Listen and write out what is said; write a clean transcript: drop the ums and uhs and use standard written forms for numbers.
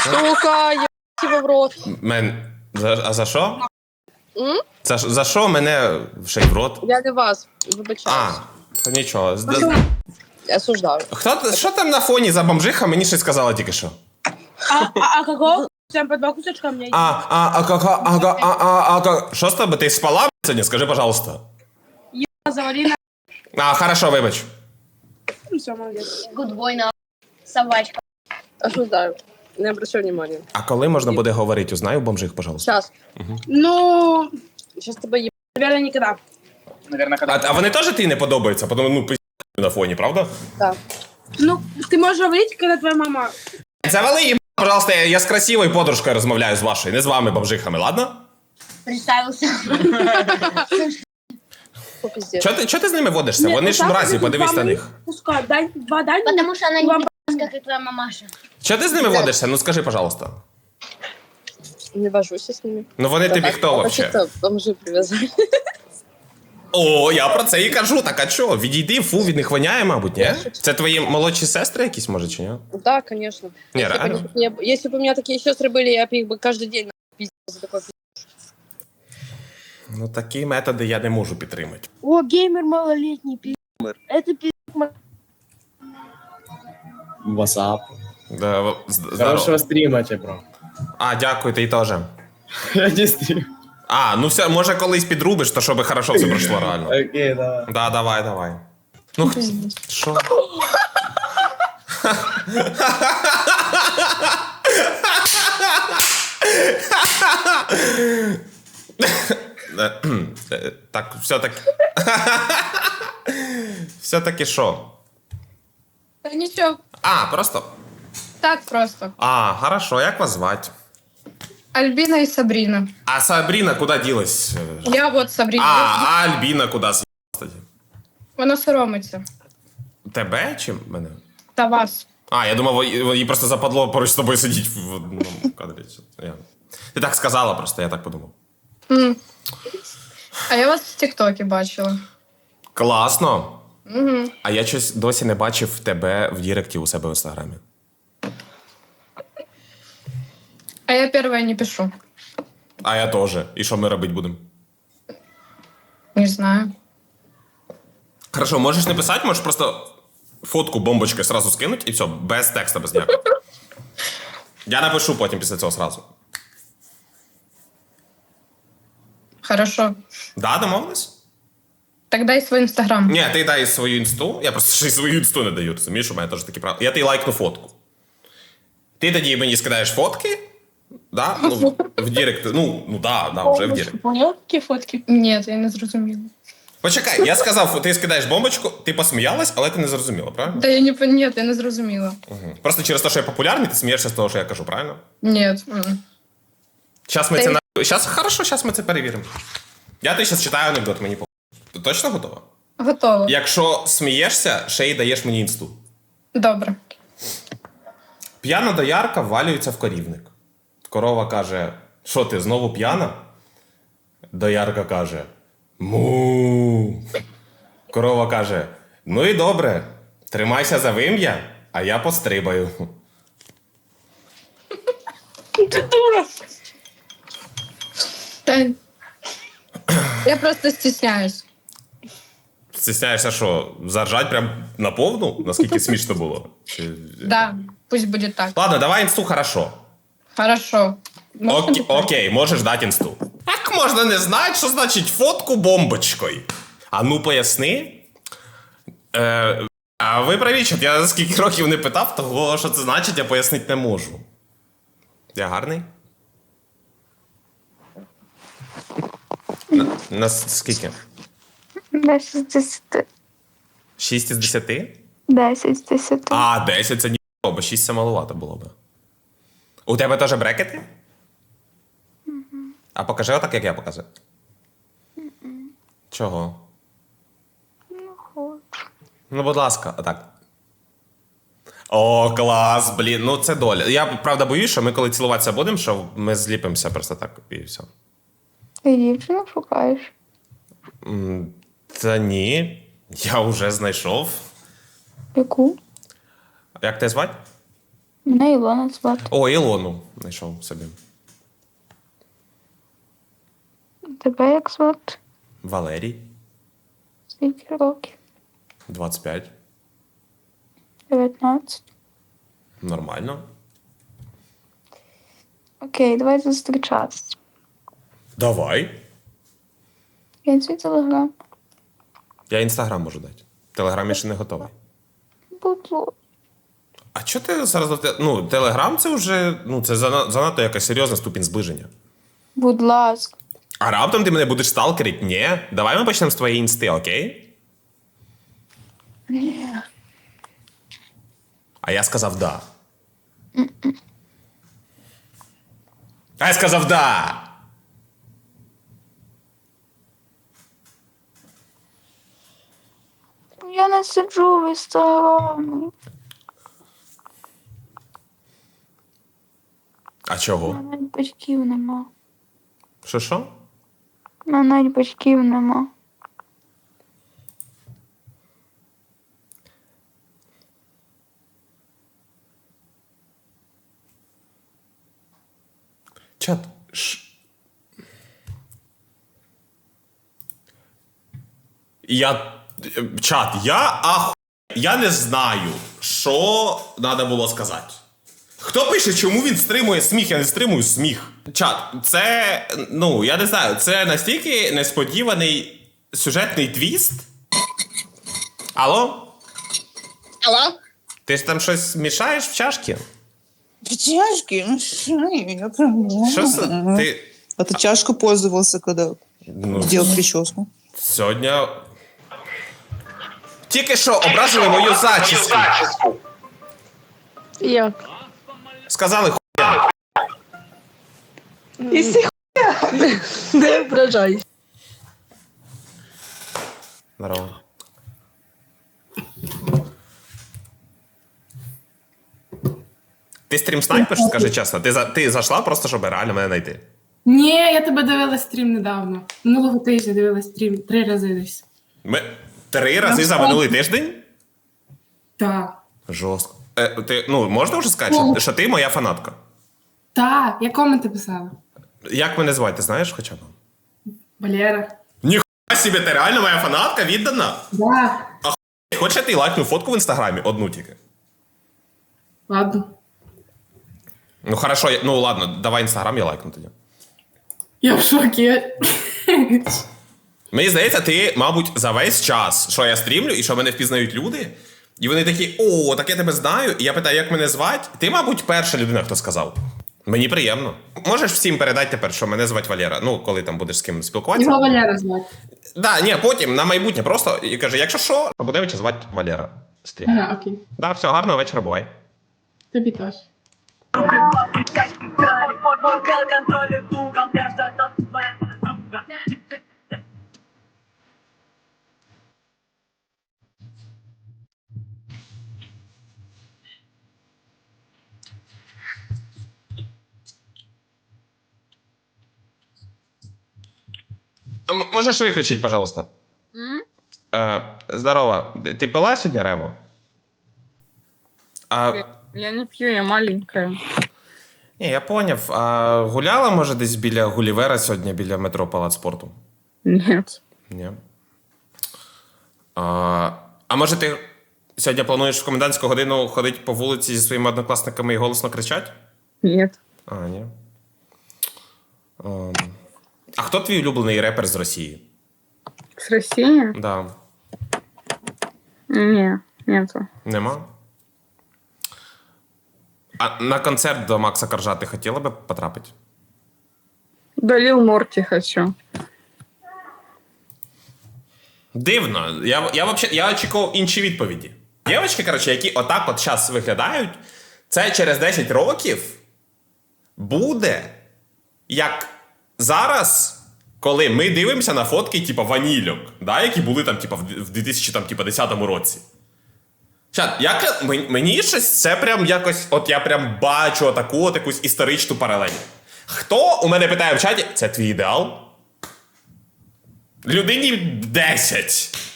Сука, я тебе в рот. А за що? М? За що мене ще й в рот? Я не вас, вибачаюсь. А, нічого. Я осуждаю. Що там на фоні за бомжиха? Мені щось сказала тільки що. А какого? Прям по 2 кусочка у меня есть. Що з тобою? Ти спала сьогодні? Скажи, пожалуйста. Завали на... Хорошо, вибач. Все, молодец. Гудбой на собачка. Осуждаю. Не обращай внимания. А коли можна буде говорити? Узнай у бомжих, пожалуйста. Сейчас. Ну, Сейчас тебе еб... наверное, никогда. А вони теж тобі не подобаються? Тому, на фоні, правда? Да. Ну, ты можешь говорить, когда твоя мама... Завали їм, пожалуйста, я з красивою подружкою розмовляю з вашою, не з вами, бомжихами, ладно? Представился. Фу, пиздец. Чого ти з ними водишся? Вони ж мразі, подивись на них. Пускай, дай, 2 дай. Потому что она не Вам- пи***ц, как и твоя мамаша. Чого ти з ними водишся? Ну скажи, пожалуйста. Не вожусь я с ними. Ну вони тобі хто вообще? Вообще-то бомжи привязали. О, я про це і кажу, так а чого? Відійди, фу, від них воняє, мабуть, ні? Це твої молодші сестри якісь, може, чи ні? Да, конечно. Не, Если бы реально? если бы у меня такие сестры были, я бы их бы каждый день пиздила за такой пиздец. Ну такі методи я не можу підтримати. О, геймер малолетний, пи***. Это пи***. Васап. Да, Хорошего стрима тебе, бро. А, дякую, ти теж. Я не стрим. А, ну все, може колись підрубиш, то щоб хорошо все пройшло реально. Окей, давай. Да, давай. Ну, що? Так, все-таки... Все-таки що? Та нічого, А, просто... так просто. А, хорошо, як вас звати? Альбіна і Сабріна. А Сабріна куди ділась? Я от Сабріна. А Альбіна куди з'їлась тоді? Вона соромиться. Тебе чи мене? Та вас. А, я думав, їй просто западло поруч з тобою сидіти в одному кадрі. Ти так сказала просто, я так подумав. А я вас в Тіктокі бачила. Класно. Угу. А я щось досі не бачив тебе в Діректі у себе в Інстаграмі. А я перша не пишу. А я теж. І що ми робити будемо? Не знаю. Хорошо, можеш не писати, можеш просто фотку бомбочки сразу скинуть і все, без текста, без ніякого. Я напишу потім після цього сразу. Хорошо. Да, домовились? Так дай свій інстаграм. Ні, ти дай свою інсту. Я просто ще й свою інсту не даю, розумієш, у мене теж такі правила. Я тобі лайкну фотку. Ти тоді мені скидаєш фотки, да? Ну, в Дірект, да, вже в Дірект. Понял, какие фотки? Ні, я не зрозуміла. Почекай, я сказав, ти скидаєш бомбочку, ти посміялась, але ти не зрозуміла, правильно? Та я не Ні, я не зрозуміла. Угу. Просто через те, що я популярний, ти смієшся з того, що я кажу, правильно? Ні. Зараз ми це Хорошо, зараз ми це перевіримо. Я тобі зараз читаю анекдот, мені по. Ти точно готова? Готово. Якщо смієшся, ще й даєш мені інсту. Добре. П'яна доярка ввалюється в корівник. Корова каже: що ти, знову п'яна? Доярка каже: му. Корова каже: ну і добре, тримайся за вим'я, а я пострибаю. Та... Я просто стісняюсь. Стісняєшся, що, заржать прям на повну? Наскільки смішно було? Да, пусть буде так. Ладно, давай інсту, хорошо. Хорошо. Можна питати? Окей, можеш дати інсту. Як можна не знати, що значить фотку бомбочкою? А ну поясни. А ви праві, що я скільки років не питав, того, що це значить, я пояснити не можу. Я гарний? На скільки? 10 з 10. 6 із 10? 10 з 10. А, 10 це ні, бо 6 це маловато було б. У тебе теж брекети? А покажи отак, як я показую. Чого? Ну, хочу. Ну, будь ласка, отак. О, клас, блін, ну це доля. Я, правда, боюсь, що ми коли цілуватися будемо, що ми зліпимося просто так і все. Ти дівчину шукаєш? Та ні, я вже знайшов. Яку? Як тебе звати? Мене Ілона звати. О, Ілону знайшов собі. Тебе як звати? Валерій, Скільки років? 25. 19. Нормально. Окей, давай зустрічатися. Давай. Я свій телеграм. Я інстаграм можу дати. Телеграм я ще не готовий. Будь ласка. А чого ти зараз... Ну, телеграм це вже... Ну, це занадто якась серйозна ступінь зближення. Будь ласка. А раптом ти мене будеш сталкерить? Ні. Давай ми почнемо з твоєї інсти, окей? Ні. А я сказав да. А я сказав да! Я не сиджу в інстаграмі. А У чого? мене навіть батьків нема. Що? У мене навіть батьків нема. Чат. Я не знаю, що треба було сказати. Хто пише, чому він стримує сміх? Я не стримую сміх. Чат, це, ну, я не знаю, це настільки несподіваний сюжетний твіст. Алло? Алло? Ти ж там щось мішаєш в чашки? В чашке? Ну, что я пробовала. Що це? Ти А ты чашку пользовался, когда ну, делал прическу? сьогодні... Тільки що образили мою зачіску. Як? Сказали хуя. І си не ображайся. Здорово. Ти стрім снайпиш, скажи чесно? Ти зайшла просто, щоб реально мене знайти? Ні, я тебе дивила стрім недавно. Минулого тижня дивила стрім 3 рази десь. Ми 3 рази за минулий тиждень? Так. Жорстко. Ти, ну, можна вже сказати, що ти моя фанатка? Так, я коменти писала. Як мене звати, ти знаєш хоча б? Валера. Ніхуя собі, ти реально моя фанатка віддана? Да. Хочеш я ти лайкну фотку в інстаграмі? Одну тільки. Ладно. Ну хорошо, ну ладно, давай інстаграм, я лайкну тоді. Я в шокі. Мені здається, ти, мабуть, за весь час, що я стрімлю і що мене впізнають люди, і вони такі, о, так я тебе знаю, і я питаю, як мене звати? Ти, мабуть, перша людина, хто сказав. Мені приємно. Можеш всім передати тепер, що мене звати Валера, ну, коли там будеш з ким спілкуватися. Його Валера звати. Да, ні, потім, на майбутнє, просто, і каже, якщо що, Будевича звати Валера. Стрім. Ага, окей. Да, все, гарного вечора, бувай. Тобі теж. Можеш виключити, пожалуйста? Здорово. Ти пила сьогодні Рево? Я не п'ю, я маленькая. Ні, я поняв. А гуляла, може, десь біля Гулівера сьогодні, біля метро Палац спорту? Нет. Ні. А може ти сьогодні плануєш в комендантську годину ходити по вулиці зі своїми однокласниками і голосно кричати? Нет. А, ні. А хто твій улюблений репер з Росії? С России? Да. Не, нету. Нема? А на концерт до Макса Коржа ти хотіла би потрапити? До Лил Морти хочу. Дивно. Я очікував інші відповіді. Дівчатки, коротше, які отак от зараз виглядають, це через 10 років буде як зараз, коли ми дивимося на фотки, типу, ванільок, да, які були там, типу, в 2010 році. Чат, мені щось це прям якось, от я прям бачу отаку от якусь історичну паралель. Хто у мене питає в чаті, це твій ідеал? Людині 10.